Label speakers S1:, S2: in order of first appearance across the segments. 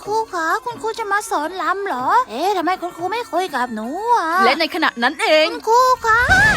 S1: ครูคะคุณครูจะมาสอนรำเหรอทำไมคุณครูไม่คุยกับหนูอ่ะ
S2: และในขณะนั้นเอง
S1: คุณครูคะ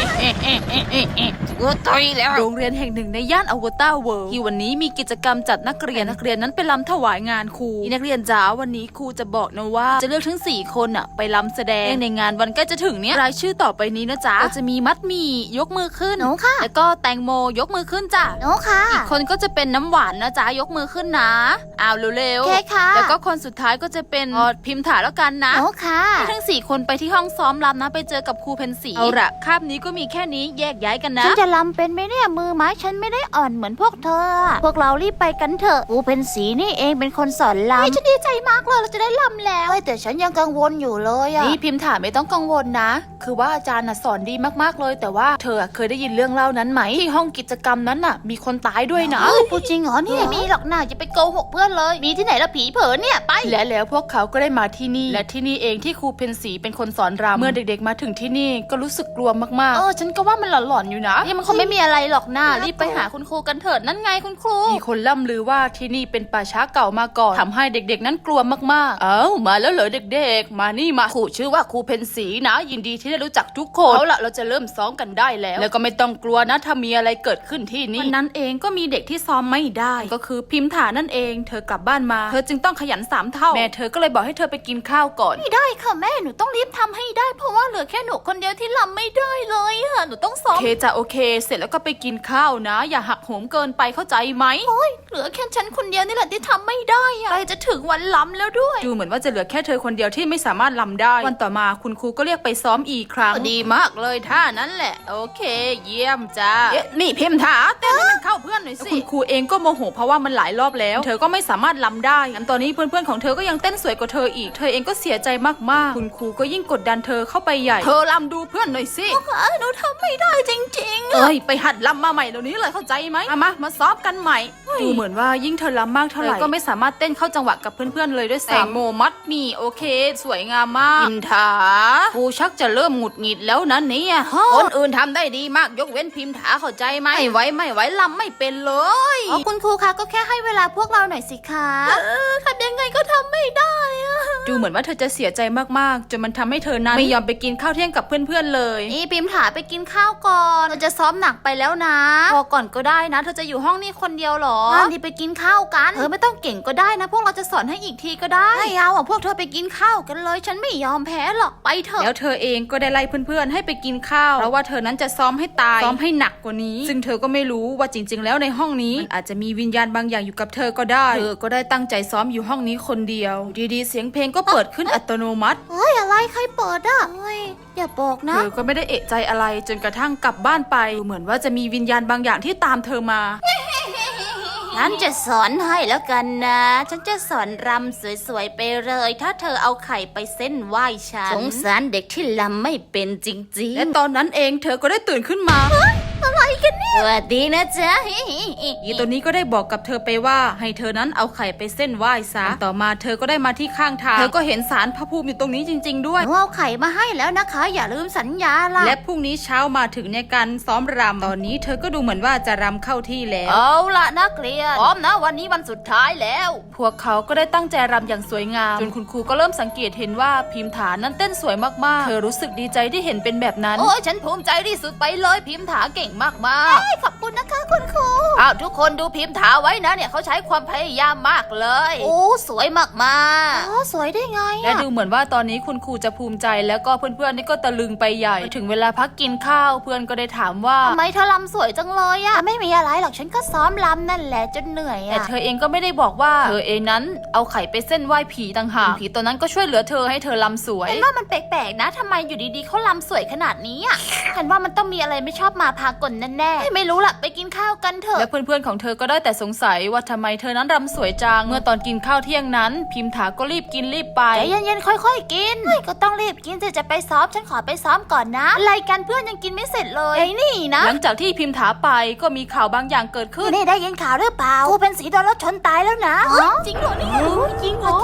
S2: กูตายแล้วโรงเรียนแห่งหนึ่งในย่านอวตารเวิลด์ที่วันนี้มีกิจกรรมจัดนักเรียนนั้นไปรำถวายงานครูนักเรียนจ๋าวันนี้ครูจะบอกนะว่าจะเลือกทั้ง4คนอะไปรำแสดงในงานวันใกล้จะถึงเนี้ยรายชื่อต่อไปนี้นะจ๊ะก็จะมีมัดหมี่ยกมือขึ้น
S1: หนูค่ะ
S2: แล้วก็แตงโมยกมือขึ้นจ้ะ
S1: หนูค่ะ
S2: อีกคนก็จะเป็นน้ำหวานนะจ๊ะยกมือขึ้นนะเอาเร็ว
S1: ๆค่ะ
S2: แล้วก็คนสุดท้ายก็จะเป็นพิมพ์ถาแล้วกันนะ
S1: หนูค่ะ
S2: ทั้ง4คนไปที่ห้องซ้อมรำนะไปเจอกับครูเพนสีเอาละคาบนี้ก็มีแค่นี้แยกย้ายกันนะ
S1: ฉันจะรำเป็นไหมเนี่ยมือไม้ฉันไม่ได้อ่อนเหมือนพวกเธอพวกเรารีบไปกันเถอะครูเพนสีนี่เองเป็นคนสอนรำฉันดีใจมากเลยเราจะได้รำแล้วแต่ฉันยังกังวลอยู่เลยอะ
S2: นี่พิมพ์ถาไม่ต้องกังวลนะคือว่าอาจารย์สอนดีมากๆเลยแต่ว่าเธอเคยได้ยินเรื่องเล่านั้นไหมที่ห้องกิจกรรมนั้นมีคนตายด้วยนะ
S1: พูดจริงเหรอเนี่ยมีหรอกนะจะไปโกหกเพื่อนเลยมีที่ไหนละผีเผลอเนี่ยไป
S2: แล้วพวกเขาก็ได้มาที่นี่และที่นี่เองที่ครูเพนสีเป็นคนสอนรำเมื่อเด็กๆมาถึงที่นี่ก็รู้สึกกลัวมากๆฉันก็ว่ามันหลอนๆอยู่นะ
S1: มันคงไม่มีอะไรหรอกนะรีบไปหาคุณครูกันเถิดนั่นไงคุณครู
S2: มีคนล่ำลือว่าที่นี่เป็นป่าช้าเก่ามาก่อนทำให้เด็กๆนั้นกลัวมากๆมาแล้วเหรอเด็กๆมานี่มาครูชื่อว่าครูเพนสีนะยินดีที่ได้รู้จักทุกคนเอาละเราจะเริ่มซ้อมกันได้แล้วก็ไม่ต้องกลัวนะถ้ามีอะไรเกิดขึ้นที่นี่วันนั้นเองก็มีเด็กที่ซ้อมไม่ได้ก็คือพิมพ์ถานั่นเองเธอกลับบ้านมาเธอจึงต้องขยัน3 เท่าแม่เธอก็เลยบอกให้เธอไปกินข้าวก่อน
S1: ไม่ได้ค่ะแม่หนูต้องรีบทำให้ได้เพราะว่าเหลือแค่หนูคนเดียวที่รำไม่ได้เลยค่ะหนูต้องซ้อม
S2: โอเคจ้ะโอเคเสร็จแล้วก็ไปกินข้าวนะอย่าหักโหมเกินไปเข้าใจไหม
S1: เหลือแค่ฉันคนเดียวนี่แหละที่ทำไม่ได้อะใกล้จะถึงวันรำแล้วด้วย
S2: ดูเหมือนว่าจะเหลือแค่เธอคนเดียวที่ไม่สามารถรำได้วันต่อมาคุณครูก็เรียกไปซ้อมอีกครั้งดีมากเลยท่านั้นแหละโอเคเยี่ยมจ้านี่พิมพ์ถาเต้นให้มันเข้าเพื่อนหน่อยสิคุณครูเองก็โมโหเพราะว่ามันหลายรอบแล้วเธอก็ไม่สามารถรำได้งั้นตอนนี้เพื่อนๆของเธอก็ยังเต้นสวยกว่าเธออีกเธอเองก็เสียใจมากๆคุณครูก็ยิ่งกดดันเธอเข้าไปใหญ่เธอรำดูเพื่อนหน่อยสิ
S1: หนูทำไม่ได้จริง
S2: ๆไปหัดรำมาใหม่เดี๋ยวนี้เลยเข้าใจไหมมาซ้อมกันใหม่ดูเหมือนว่ายิ่งเธอรำมากเท่าไหร่ก็ไม่สามารถเต้นเข้าจังหวะกับเพื่อนๆเลยด้วยซ้ำแตงโมมัดมีโอเคสวยงามมากพิมพ์ถาครูชักจะเริ่มหงุดหงิดแล้วนั้นเนี่ยคนอื่นทำได้ดีมากยกเว้นพิมพ์ถาเข้าใจไหมไม่ไหวรำไม่เป็นเลย
S1: คุณครูคะก็แค่ให้เวลาพวกเราหน่อยสิคะทำยังไงก็ทำไม่ได้
S2: ดูเหมือนว่าเธอจะเสียใจมากๆจนมันทำให้เธอนั้นไม่ยอมไปกินข้าวเที่ยงกับเพื่อนๆเลย
S1: นี่พิมพ์ถาไปกินข้าวก่อนเราจะซ้อมหนักไปแล้วนะพอก่อนก็ได้นะเธอจะอยู่ห้องนี้คนเดียวหรอนี่ไปกินข้าวกันไม่ต้องเก่งก็ได้นะพวกเราจะสอนให้อีกทีก็ได้ไม่เอาพวกเธอไปกินข้าวกันเลยฉันไม่ยอมแพ้หรอกไปเถอะ
S2: แล้วเธอเองก็ได้ไล่เพื่อนๆให้ไปกินข้าวเพราะว่าเธอนั้นจะซ้อมให้ตายซ้อมให้หนักกว่านี้ซึ่งเธอก็ไม่รู้ว่าจริงๆแล้วในห้องนี้อาจจะมีวิญญาณบางอย่างอยู่กับเธอก็ได้เธอก็ได้ตั้งใจซ้อมอยู่ห้องนี้คนเดียวดีๆเสียงเพลงก็เปิดขึ้นอัตโนมัติ
S1: อะไรใครเปิดอย่าบอกนะ
S2: เธอก็ไม่ได้เอะใจอะไรจนกระทั่งกลับบ้านไปเหมือนว่าจะมีวิญญาณบางอย่างที่ตามเธอมา
S1: ฉันจะสอนให้แล้วกันนะฉันจะสอนรำสวยๆไปเลยถ้าเธอเอาไข่ไปเส้นไหว้ฉันสงสารเด็กที่รำไม่เป็นจริงๆ
S2: และตอนนั้นเองเธอก็ได้ตื่นขึ้นมา
S1: อะไรกันเนี่ย
S2: สวั
S1: สดีนะจ๊ะ
S2: อีตัวนี้ก็ได้บอกกับเธอไปว่าให้เธอนั้นเอาไข่ไปเส้นไหว้ซะต่อมาเธอก็ได้มาที่ข้างทางเธอก็เห็นศาลพระภูมิอยู่ตรงนี้จริงๆด้วย
S1: เอาไข่มาให้แล้วนะคะอย่าลืมสัญญาล่ะ
S2: และพรุ่งนี้เช้ามาถึงในการซ้อมรำตอนนี้เธอก็ดูเหมือนว่าจะรำเข้าที่แล้ว
S1: เอาละนักเรียนพร้อมนะวันนี้วันสุดท้ายแล้ว
S2: พวกเขาก็ได้ตั้งใจรำอย่างสวยงามจนคุณครูก็เริ่มสังเกตเห็นว่าพิมพ์ถานั้นเต้นสวยมากๆเธอรู้สึกดีใจที่เห็นเป็นแบบนั้น
S1: ฉันภูมิใจที่สุดไปเลยพิมพ์ถาเก่งมากๆขอบคุณนะคะคุณครูทุกคนดูพิมพ์ถาไว้นะเนี่ยเขาใช้ความพยายามมากเลยสวยมากๆสวยได้ไง
S2: และดูเหมือนว่าตอนนี้คุณครูจะภูมิใจแล้วก็เพื่อนๆนี่ก็ตะลึงไปใหญ่ถึงเวลาพักกินข้าวเพื่อนก็ได้ถามว่า
S1: ทำไมเธอรำสวยจังเลยไม่มีอะไรหรอกฉันก็ซ้อมรำนั่นแหละจนเหนื่อย
S2: แต่เธอเองก็ไม่ได้บอกว่าเธอเองนั้นเอาไข่ไปเส้นไหว้ผีต่างหากผีตัวนั้นก็ช่วยเหลือเธอให้เธอรำสวย
S1: ฉันว่ามันแปลกๆนะทำไมอยู่ดีๆเขารำสวยขนาดนี้ฉันว่ามันต้องมีอะไรไม่ชอบมาพากลแน่ๆไม่รู้ล่ะไปกินข้าวกันเถอะ
S2: และเพื่อนๆของเธอก็ได้แต่สงสัยว่าทำไมเธอนั้นรำสวยจังเมื่อตอนกินข้าวเที่ยงนั้นพิมพ์ถาก็รีบกินรีบไป
S1: ใจเย็นๆค่อยๆกินก็ต้องรีบกินจะไปซ้อมฉันขอไปซ้อมก่อนนะอะไรกันเพื่อนยังกินไม่เสร็จเลยนี่นะ
S2: หลังจากที่พิมพ์ถาไปก็มีข่าวบางอย่างเกิดขึ้น
S1: นี่ได้ยินข่าวหรือเปล่าครูเป็นสีโดนรถชนตายแล้วนะจริงเหรอเนี่ย
S2: จริงเหรอ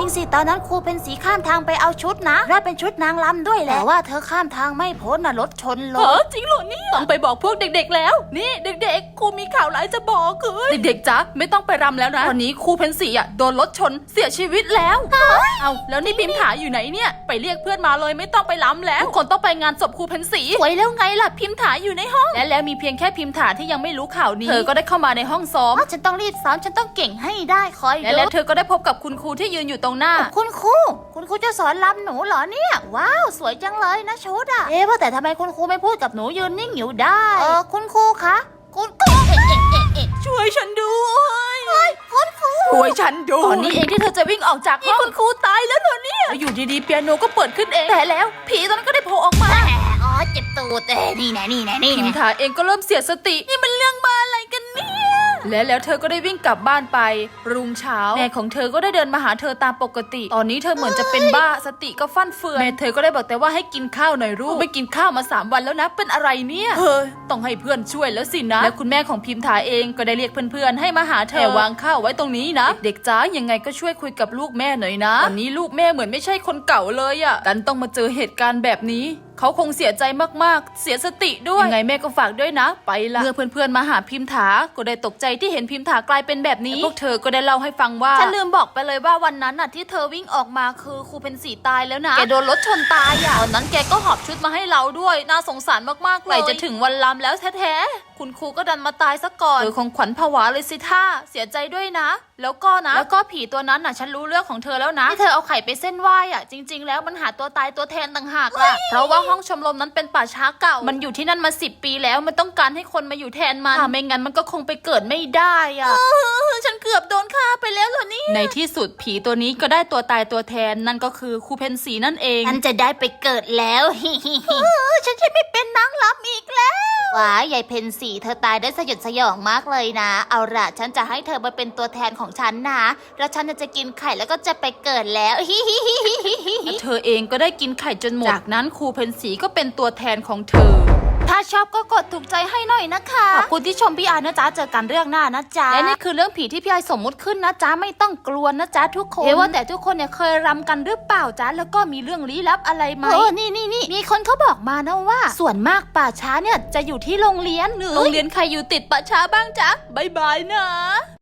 S1: จริงสิตอนนั้นครูเป็นสีข้ามทางไปเอาชุดนะได้เป็นชุดนางรำด้วยแหละแต่ว่าเธอข้ามทางไม่พ้นนะรถชนลง
S2: จริงเหรอเนี่ยต้องไปบอกพวกเด็กๆแล้วนี่เด็กๆครูมีข่าวร้ายจะบอกคือเด็กๆจ๊ะไม่ต้องไปรำแล้วนะวันนี้ครูเพนสีอ่ะโดนรถชนเสียชีวิตแล้วเอาแล้วนี่พิมถาอยู่ไหนเนี่ยไปเรียกเพื่อนมาเลยไม่ต้องไปรำแล้วทุกคนต้องไปงานศพครูเพนสีสวยแล้วไงล่ะพิมถาอยู่ในห้องและแล้วมีเพียงแค่พิมถาที่ยังไม่รู้ข่าวนี้เธอก็ได้เข้ามาในห้องซ้อม
S1: ฉันต้องรีบซ้อมฉันต้องเก่งให้ได้คอย
S2: และ
S1: ดู
S2: แล้วเธอก็ได้พบกับคุณครูที่ยืนอยู่ตรงหน้า
S1: คุณครูจะสอนรำหนูเหรอเนี่ยว้าวสวยจังเลยนะชุดอะว่าแต่ทำไมคุณครูไม่พูดกับหนูยืนนิ่งอยู่ได้คุณครูคะคุณครู
S2: ช่วยฉันด้วย
S1: คุณครู
S2: ช่วยฉันด้วยตอนนี้เองที่เธอจะวิ่งออกจากห้องคุณครูตายแล้วเหรอเนี่ยอยู่ดีๆเปียโนก็เปิดขึ้นเองแต่แล้วผีตอนนั้นก็ได้โผล่ออกมา
S1: อ๋อเจ็บตูดนี่แน่
S2: พิมถาเองก็เริ่มเสียสตินี่มันเรื่องมาอะไรกันเนี่ยและแล้วเธอก็ได้วิ่งกลับบ้านไปรุ่งเช้าแม่ของเธอก็ได้เดินมาหาเธอตามปกติตอนนี้เธอเหมือนจะเป็นบ้าสติก็ฟั่นเฟือนแม่เธอก็ได้บอกแต่ว่าให้กินข้าวหน่อยลูกไม่กินข้าวมา3 วันแล้วนะเป็นอะไรเนี่ยต้องให้เพื่อนช่วยแล้วสินะและคุณแม่ของพิมถาเองก็ได้เรียกเพื่อนๆให้มาหาเธอวางข้าวไว้ตรงนี้นะเด็กๆจ้ายังไงก็ช่วยคุยกับลูกแม่หน่อยนะตอนนี้ลูกแม่เหมือนไม่ใช่คนเก่าเลยอ่ะดันต้องมาเจอเหตุการณ์แบบนี้เขาคงเสียใจมากๆเสียสติด้วยยังไงแม่ก็ฝากด้วยนะไปละเมื่อเพื่อนๆมาหาพิมถาก็ได้ตกใจที่เห็นพิมถากลายเป็นแบบนี้พวกเธอก็ได้เล่าให้ฟังว่าฉันลืมบอกไปเลยว่าวันนั้นน่ะที่เธอวิ่งออกมาคือครูเป็นสีตายแล้วนะแกโดนรถชนตายอ่ะตอนนั้นแกก็หอบชุดมาให้เราด้วยน่าสงสารมากๆเลยจะถึงวันรำแล้วแท้ๆคุณครูก็ดันมาตายซะก่อนเธอคงขวัญผวาเลยสิท่าเสียใจด้วยนะแล้วก็ผีตัวนั้นน่ะฉันรู้เรื่องของเธอแล้วนะที่เธอเอาไข่ไปเส้นไหว้อ่ะจริงๆแล้วมันหาตัวตายตัวแทนต่างหากล่ะเพราะว่าห้องชมรมนั้นเป็นป่าช้าเก่ามันอยู่ที่นั่นมา10 ปีแล้วมันต้องการให้คนมาอยู่แทนมันถ้าไม่งั้นมันก็คงไปเกิดไม่ได้อ่ะฉันเกือบโดนฆ่าไปแล้วเหรอนี่ในที่สุดผีตัวนี้ก็ได้ตัวตายตัวแทนนั่นก็คือครูเพนสีนั่นเอง
S1: ฉันจะได้ไปเกิดแล้วฉันจะไม่เป็นนางรำอีกแล้วว้ายยายเพนสีเธอตายได้สยดสยองมากเลยนะเอาล่ะฉันจะให้เธอมาเป็นตัวแทนของฉันนะแล้วฉันจะกินไข่แล้วก็จะไปเกิดแล้ว
S2: เธอเองก็ได้กินไข่จนหมดจากนั้นครูเพนสีก็เป็นตัวแทนของเธอ
S1: ถ้าชอบก็กดถูกใจให้หน่อยนะคะขอบคุณที่ชมพี่อานะจ๊ะเจอกันเรื่องหน้านะจ๊ะและนี่คือเรื่องผีที่พี่อาสมมุติขึ้นนะจ๊ะไม่ต้องกลัวนะจ๊ะทุกคนว่าแต่ทุกคนเนี่ยเคยรำกันหรือเปล่าจ๊ะแล้วก็มีเรื่องลี้ลับอะไรไหมนี่มีคนเขาบอกมานะว่าส่วนมากป่าช้าเนี่ยจะอยู่ที่โรงเรียนหรือโรงเรียนใครอยู่ติดป่าช้าบ้างจ๊ะบ๊ายบายนะ